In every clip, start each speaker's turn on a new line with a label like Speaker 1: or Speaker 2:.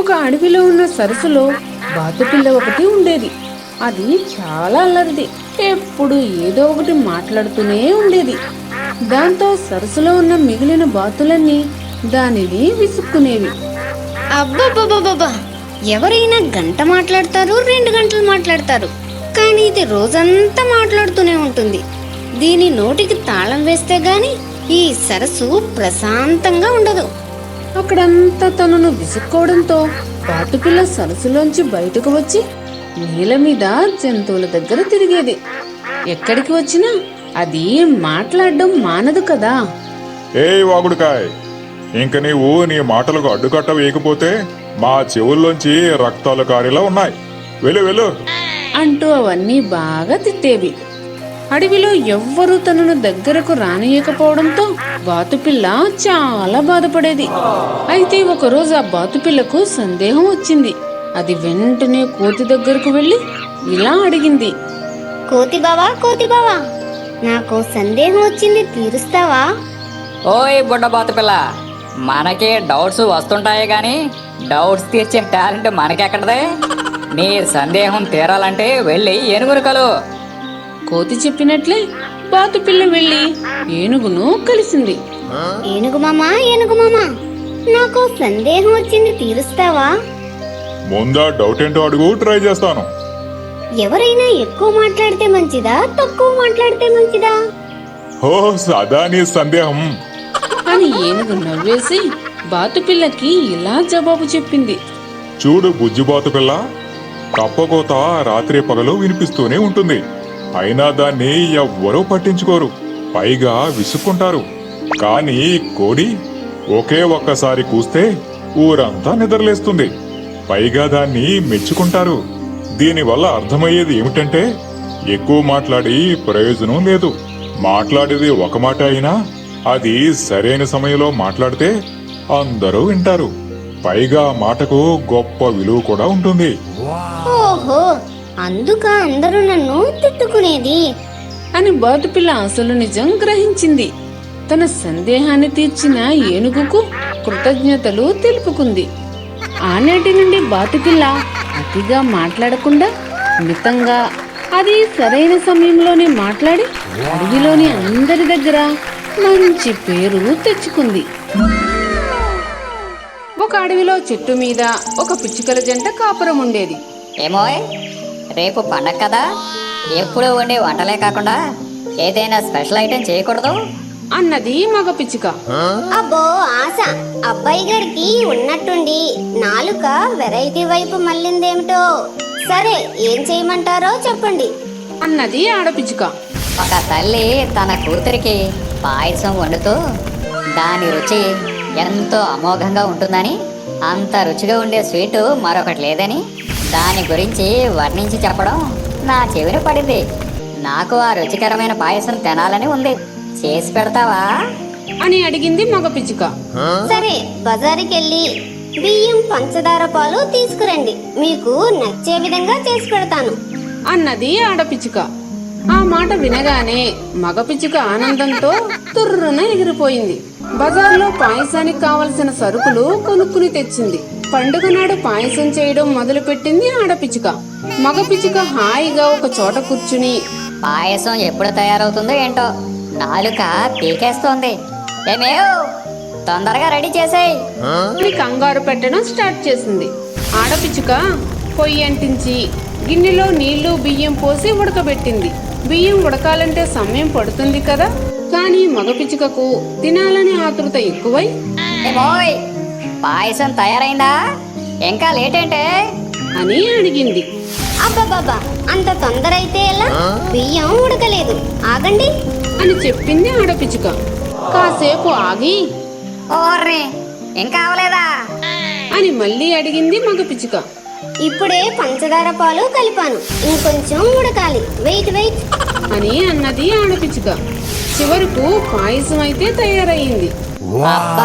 Speaker 1: ఒక అడవిలో ఉన్న సరస్సులో బాతుపిల్ల ఒకటి ఉండేది. అది చాలా అల్లరిది. ఎప్పుడు ఏదో ఒకటి మాట్లాడుతూనే ఉండేది. దాంతో సరస్సులో ఉన్న మిగిలిన బాతులన్నీ దానిని విసుక్కునేవి.
Speaker 2: అబ్బబ్బబ్బబ్బా, ఎవరైనా గంట మాట్లాడతారు, 2 గంటలు మాట్లాడతారు, కానీ ఇది రోజంతా మాట్లాడుతూనే ఉంటుంది. దీని నోటికి తాళం వేస్తే గాని ఈ సరస్సు ప్రశాంతంగా ఉండదు.
Speaker 1: అక్కడంతా తనను విసుక్కోవడంతో బాతుపిల్ల సరస్సులోంచి బయటకు వచ్చి నీళ్ళ మీద జంతువుల దగ్గర తిరిగేది. ఎక్కడికి వచ్చినా అది మాట్లాడడం మానదు కదా.
Speaker 3: ఏ వాగుడుకాయ్, ఇంక నీవు నీ మాటలకు అడ్డుకట్ట వేయకపోతే మా చెవుల్లోంచి రక్తాలు కారేలా ఉన్నాయి. వెళ్ళు వెళ్ళు
Speaker 1: అంటూ అవన్నీ బాగా తిట్టేవి. అడవిలో ఎవ్వరూ తనను దగ్గరకు రానియకపోవడంతో బాతుపిల్ల చాలా బాధపడేది. అయితే ఒకరోజు ఆ బాతుపిల్లకు సందేహం వచ్చింది. అది వెంటనే కోతి దగ్గరకు వెళ్లి ఇలా అడిగింది.
Speaker 2: కోతి బావా, నాకు సందేహం వచ్చింది, తీరుస్తావా?
Speaker 4: ఓయ్ బుడ్డబాత పిల్ల, మనకి డౌట్స్ వస్తుంటాయి గాని డౌట్స్ తీర్చే టాలెంట్ మనకెక్కడదే. నీ సందేహం తీరాలంటే వెళ్ళి ఏనుగును కలు.
Speaker 1: కోతి చెప్పినట్లే బాతుపిల్ల వెళ్లి ఏనుగును కలిసింది.
Speaker 2: ఏనుగు మామా, నాకు సందేహం వచ్చింది, తీరుస్తావా?
Speaker 3: ముందా డౌట్ ఏంటో అడుగు, ట్రై చేస్తాను.
Speaker 2: ఎవరైనా ఎక్కువ మాట్లాడితే మంచిదా, తక్కువ మాట్లాడితే మంచిదా?
Speaker 3: ఓ సదా నీ సందేహం.
Speaker 1: అని ఏనుగు నవ్వేసి బాతుపిల్లకి ఇలా జవాబు చెప్పింది.
Speaker 3: చూడు బుజ్జిబాతు పిల్ల, కప్పకోత రాత్రి పగలు వినిపిస్తూనే ఉంటుంది. అయినా దాన్ని ఎవ్వరూ పట్టించుకోరు, పైగా విసుక్కుంటారు. కానీ కోడి ఒకే ఒక్కసారి కూస్తే ఊరంతా నిద్రలేస్తుంది, పైగా దాన్ని మెచ్చుకుంటారు. దీనివల్ల అర్థమయ్యేది ఏమిటంటే ఎక్కువ మాట్లాడి ప్రయోజనం లేదు. మాట్లాడేది ఒక మాట అయినా అది సరైన సమయంలో మాట్లాడితే అందరూ వింటారు. పైగా మాటకు గొప్ప విలువ కూడా ఉంటుంది.
Speaker 2: ఓహో, అందుక అందరూ నన్ను తిట్టుకునేది
Speaker 1: అని బాతుపిల్ల అసలు నిజం గ్రహించింది. తన సందేహాన్ని తీర్చిన ఏనుగుకు కృతజ్ఞతలు తెలుపుకుంది. ఆనాటి నుండి బాతుపిల్ల అతిగా మాట్లాడకుండా మితంగా, అది సరైన సమయంలోనే మాట్లాడి అడవిలోని అందరి దగ్గర మంచి పేరు తెచ్చుకుంది. ఒక అడవిలో చెట్టు మీద ఒక పిచ్చుకల జంట కాపురం ఉండేది.
Speaker 4: ఏమోయ్, రేపు పండగ కదా, ఎప్పుడు వండే వంటలే కాకుండా ఏదైనా స్పెషల్ ఐటెం చేయకూడదు
Speaker 1: అన్నది మగ పిచ్చుక.
Speaker 2: అబ్బో ఆశ, అబ్బాయి గారికి ఉన్నట్టుండి నాలుక వెరైటీ వైపు మళ్ళిందేమిటో. సరే, ఏం చేయమంటారో చెప్పండి
Speaker 1: అన్నది ఆడపిచ్చుక.
Speaker 4: ఒక తల్లి తన కూతురికి పాయసం వండుతూ దాని రుచి ఎంతో అమోఘంగా ఉంటుందని, అంత రుచిగా ఉండే స్వీటు మరొకటి లేదని దాని గురించి వర్ణించి చెప్పడం నా చెవిన పడింది. నాకు ఆ రుచికరమైన పాయసం తినాలని ఉంది, చేసి పెడతావా
Speaker 1: అని అడిగింది మగ పిచ్చుక.
Speaker 2: సరే, బజారుకెళ్ళి బియ్యం, పంచదార, పాలు తీసుకురండి, మీకు నచ్చే విధంగా చేసి పెడతాను
Speaker 1: అన్నది ఆడపిచ్చుక. ఆ మాట వినగానే మగ పిచ్చుక ఆనందంతో తుర్రున ఎగిరిపోయింది. బజార్లో పాయసానికి కావలసిన సరుకులు కొనుక్కుని తెచ్చింది. పండుగ నాడు పాయసం చేయడం మొదలుపెట్టింది ఆడపిచ్చుక. మగ పిచ్చుక హాయిగా ఒక చోట కూర్చుని
Speaker 4: పాయసం ఎప్పుడు తయారవుతుందో ఏంటో, నాలుక పీకేస్తోంది. ఏమేవ్, తొందరగా రెడీ చేసేయ్
Speaker 1: అని కంగారు పెట్టడం స్టార్ట్ చేసింది. ఆడపిచ్చుక పొయ్యి అంటించి గిన్నెలో నీళ్లు, బియ్యం పోసి ఉడకబెట్టింది. బియ్యం ఉడకాలంటే సమయం పడుతుంది కదా, కానీ మగ పిచ్చుకకు తినాలని ఆతృత ఎక్కువై
Speaker 4: ఏమోయ్, పాయసం తయారైందా, ఇంకా లేట్ ఏంటే
Speaker 1: అని అడిగింది.
Speaker 2: అబ్బబ్బబ్బా, అంత తొందర అయితే ఎలా? బియ్యం ఉడకలేదు, ఆగండి
Speaker 1: అని చెప్పింది ఆడపిచ్చుక. కాసేపు ఆగి
Speaker 4: ఓర్రే, ఇంకా అవలేదా
Speaker 1: అని మళ్ళీ అడిగింది మగ పిచ్చుక.
Speaker 2: ఇప్పుడే పంచదార, పాలు కలిపాను, ఇంకొంచెం ఉడకాలి, వెయిట్
Speaker 1: అని అన్నది ఆడపిచ్చుక. చివరకు పాయసం అయితే తయారయ్యింది.
Speaker 4: అబ్బా,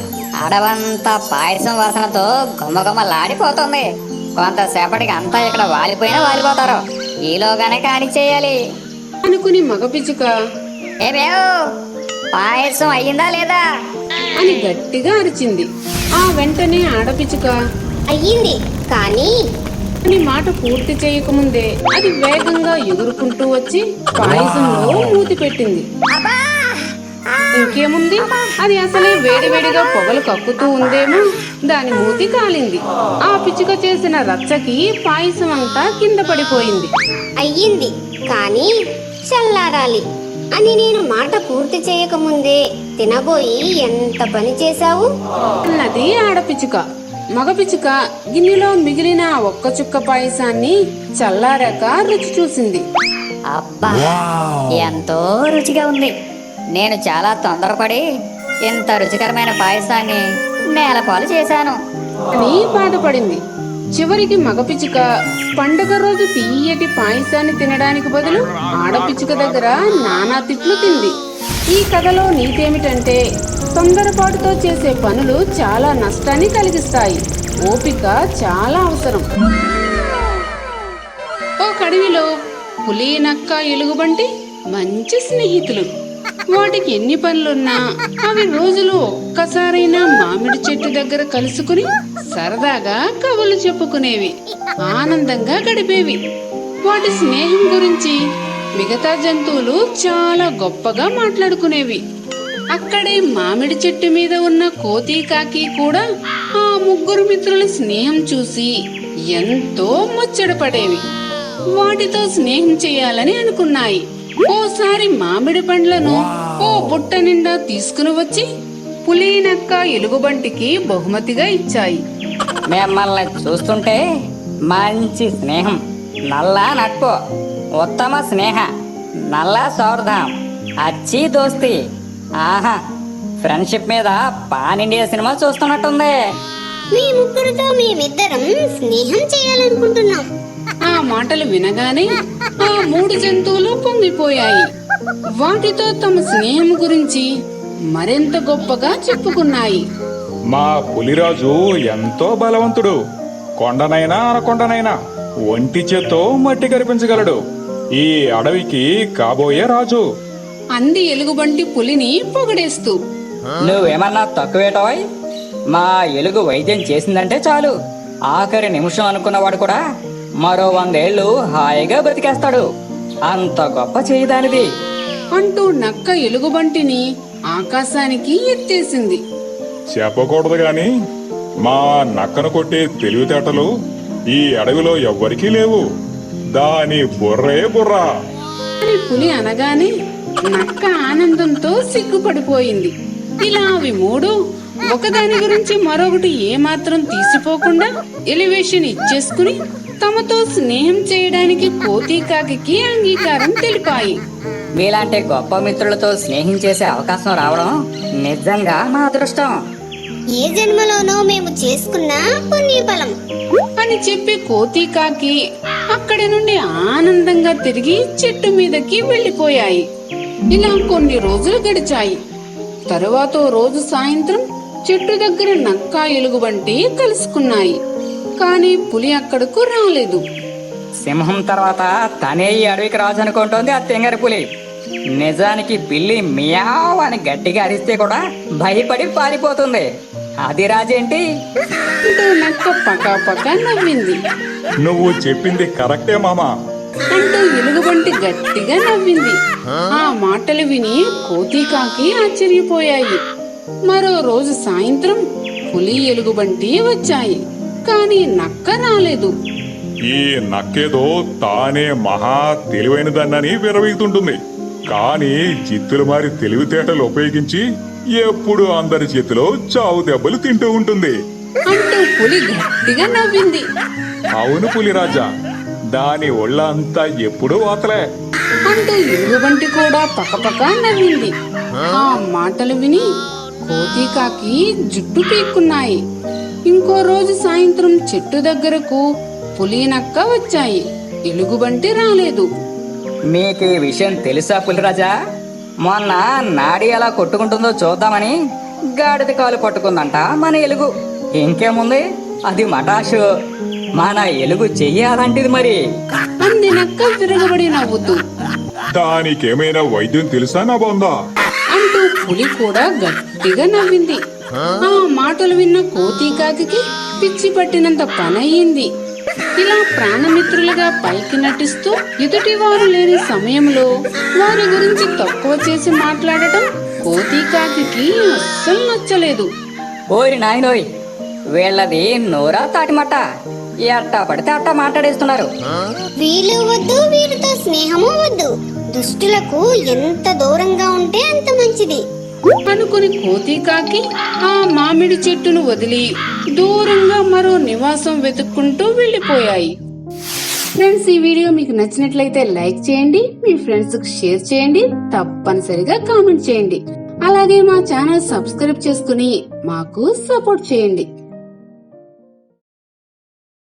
Speaker 4: అడవంతా పాయసం వాసనతో గుమ్మగుమ్మలాడిపోతుంది. కొంతసేపటికి అంతా ఇక్కడ వాలిపోతారు, ఈలోగానే కాడి చేయాలి
Speaker 1: అనుకుని మగ పిచ్చుక
Speaker 4: ఏమేవ్, పాయసం అయ్యిందా లేదా
Speaker 1: అని గట్టిగా అరిచింది. ఆ వెంటనే ఆడపిచ్చుక
Speaker 2: అయ్యింది కానీ
Speaker 1: అని మాట పూర్తి చేయకముందే అది వేగంగా ఎగురుకుంటూ వచ్చి పాయసంలో మూతి పెట్టింది. ఇంకేముంది, అది అసలే వేడివేడిగా పొగలు కక్కుతూ ఉందేమో, దాని మూతి కాలింది. ఆ పిచ్చుక చేసిన రచ్చకి పాయసం అంతా కింద పడిపోయింది.
Speaker 2: అయ్యింది కానీ చల్లారాలి అని నేను మాట పూర్తి చేయకముందే తినబోయి ఎంత పని చేశావు.
Speaker 1: అన్నది ఆడపిచ్చుక. మగ పిచ్చుక గిన్నెలో మిగిలిన ఆ ఒక్క చుక్క పాయసాన్ని చల్లారాక రుచి చూసింది.
Speaker 4: అబ్బా, ఎంతో రుచిగా ఉంది. నేను చాలా తొందరపడి ఇంత రుచికరమైన పాయసాన్ని నేలపాలు చేశాను
Speaker 1: అని బాధపడింది. చివరికి మగ పిచ్చుక పండుగ రోజు తీయటి పాయసాన్ని తినడానికి బదులు ఆడపిచ్చుక దగ్గర నానా తిట్లు తింది. ఈ కథలో నీతేమిటంటే తొందరపాటుతో చేసే పనులు చాలా నష్టాన్ని కలిగిస్తాయి. ఓపిక చాలా అవసరం. ఓ అడవిలో పులి, నక్క, ఎలుగుబంటి మంచి స్నేహితులు. వాటికి ఎన్ని పనులున్నా అవి రోజులో ఒక్కసారైనా మామిడి చెట్టు దగ్గర కలుసుకుని సరదాగా కబుర్లు చెప్పుకునేవి, ఆనందంగా గడిపేవి. వాటి స్నేహం గురించి మిగతా జంతువులు చాలా గొప్పగా మాట్లాడుకునేవి. అక్కడే మామిడి చెట్టు మీద ఉన్న కోతి, కాకి కూడా ఆ ముగ్గురు మిత్రుల స్నేహం చూసి ఎంతో ముచ్చటపడేవి. వాటితో స్నేహం చేయాలని అనుకున్నాయి. ఓసారి మామిడి పండ్లను ఓ బుట్ట నిండా తీసుకుని వచ్చి పులి, నక్క, ఎలుగుబంటికి బహుమతిగా ఇచ్చాయి.
Speaker 4: మిమ్మల్ని చూస్తుంటే మంచి స్నేహం, నల్ల నట్పు, ఉత్తమ స్నేహ, నల్ల సౌర్ధం, అచ్చి దోస్తి. ఆహా, ఫ్రెండ్షిప్ మీద పాన్ ఇండియా సినిమా చూస్తున్నట్టుంది.
Speaker 2: మీ ముగ్గురితో మేమిద్దరం స్నేహం చేయాలనుకుంటున్నాం.
Speaker 1: ఆ మాటలు వినగానే ఆ మూడు జంతువులు పొంగిపోయాయి. వాటితో తమ స్నేహం గురించి మరింత గొప్పగా చెప్పుకున్నాయి.
Speaker 3: మా పులిరాజు ఎంతో బలవంతుడు. కొండనైనా అనకొండనైనా ఒంటి చేత్తో మట్టి కరిపించగలడు. ఈ అడవికి కాబోయే రాజు
Speaker 1: అంది ఎలుగుబంటి పులిని పొగడేస్తూ.
Speaker 5: నువ్వేమన్నా తక్కువేటోయ్? మా ఎలుగు వైద్యం చేసిందంటే చాలు, ఆఖరి నిమిషం అనుకున్నవాడు కూడా మరో 100 ఏళ్ళు హాయిగా బతికేస్తాడు. అంత గొప్ప చేయదానిది
Speaker 1: అంటూ నక్క ఎలుగుబంటిని ఆకాశానికి ఎత్తేసింది.
Speaker 3: చెప్పకూడదు గాని మా నక్కను కొట్టే తెలివితేటలు ఈ అడవిలో ఎవ్వరికీ లేవు. దాని బుర్రే బుర్రా
Speaker 1: అని పులి అనగానే నక్క ఆనందంతో సిగ్గుపడిపోయింది. ఇలా అవి మూడు ఒకదాని గురించి మరొకటి ఏమాత్రం తీసిపోకుండా ఎలివేషన్ ఇచ్చేసుకుని తమతో స్నేహం చేయడానికి కోతి, కాకి అంగీకారం తెలిపాయి.
Speaker 5: మీలాంటి గొప్ప మిత్రులతో స్నేహం చేసే అవకాశం రావడం నిజంగా మా అదృష్టం.
Speaker 2: ఏ జన్మలోనో మేము చేసుకున్న పుణ్యఫలం
Speaker 1: అని చెప్పి కోతి, కాకి అక్కడి నుండి ఆనందంగా తిరిగి చెట్టు మీదకి వెళ్లిపోయాయి. ఇలా కొన్ని రోజులు గడిచాయి. తరువాత రోజు సాయంత్రం చెట్టు దగ్గర నక్క, ఎలుగుబంటి కలుసుకున్నాయి. కానీ పులి అక్కడకు రాలేదు.
Speaker 5: సింహం తర్వాత తనే ఈ అడవికి రాజు అనుకుంటోంది ఆ తెంగరి పులి. నిజానికి పిల్లి మియావ్ అని గట్టిగా అరిస్తే కూడా భయపడి పారిపోతుంది. అది రాజేంటి?
Speaker 1: అంటూ నక్క పకాపకా నవ్వింది.
Speaker 3: నువ్వు చెప్పింది కరెక్టే మామా
Speaker 1: అంటూ ఎలుగుబంటి గట్టిగా నవ్వింది. ఆ మాటలు విని కోతి, కాకి ఆశ్చర్యపోయాయి. మరో రోజు సాయంత్రం పులి, ఎలుగుబంటి వచ్చాయి. కానీ నక్క రాలేదు.
Speaker 3: ఈ నక్కేదో తానే మహా తెలివైనదన్నని విరవీగుతుంటుంది. కానీ జిత్తులు మారి తెలివితేటలు ఉపయోగించి ఎప్పుడు అందరి చేతిలో చావు దెబ్బలు తింటూ ఉంటుంది.
Speaker 1: అంటూ పులి గట్టిగా నవ్వింది.
Speaker 3: అవును పులిరాజా, దాని ఒళ్ళంతా ఎప్పుడూ వాతలే
Speaker 1: అంటూ ఎలుగుబంటి కూడా పకపకా నవ్వింది. ఆ మాటలు విని కోతి, కాకి జుట్టు పీక్కున్నాయి. ఇంకో రోజు సాయంత్రం చెట్టు దగ్గరకు పులి, నక్క వచ్చాయి. ఎలుగుబంటి రాలేదు.
Speaker 5: మీకు ఈ విషయం తెలుసా పులిరాజా? మొన్న నాడి ఎలా కొట్టుకుంటుందో చూద్దామని గాడిద కాలు పట్టుకుందంట మన ఎలుగు. ఇంకేముంది, అది మటాషు. మన ఎలుగు చెయ్యి అలాంటిది మరి.
Speaker 1: అంది నక్క విరగబడి నవ్వుతూ.
Speaker 3: దానికేమైనా వైద్యం తెలుసా నా బొందా?
Speaker 1: అంటూ పులి కూడా గట్టిగా నవ్వింది. ఆ మాటలు విన్న కోతి, కాకి పిచ్చి పట్టినంత పనయ్యింది. ఇలా ప్రాణమిత్రులుగా పైకి నటిస్తూ ఎదుటి వారు లేని సమయంలో వారి గురించి తక్కువ చేసి మాట్లాడటం కోతి కాకి అస్సలు నచ్చలేదు.
Speaker 5: ఓరి నాయనోయ్, వీళ్ళది నోరా తాటిమట్ట, ఎట్టా పడితే అట్టా మాట్లాడేస్తున్నారు.
Speaker 6: వీళ్ళు వద్దు, వీరితో స్నేహము వద్దు. దుష్టులకు ఎంత దూరంగా ఉంటే అంత మంచిది
Speaker 1: అనుకుని కోతి కాకి ఆ మామిడి చెట్టును వదిలి దూరంగా మరో నివాసం వెతుక్కుంటూ వెళ్లిపోయాయి. ఫ్రెండ్స్, ఈ వీడియో మీకు నచ్చినట్లయితే లైక్ చేయండి, మీ ఫ్రెండ్స్ కు షేర్ చేయండి, తప్పనిసరిగా కామెంట్ చేయండి. అలాగే మా ఛానల్ సబ్స్క్రైబ్ చేసుకుని మాకు సపోర్ట్ చేయండి.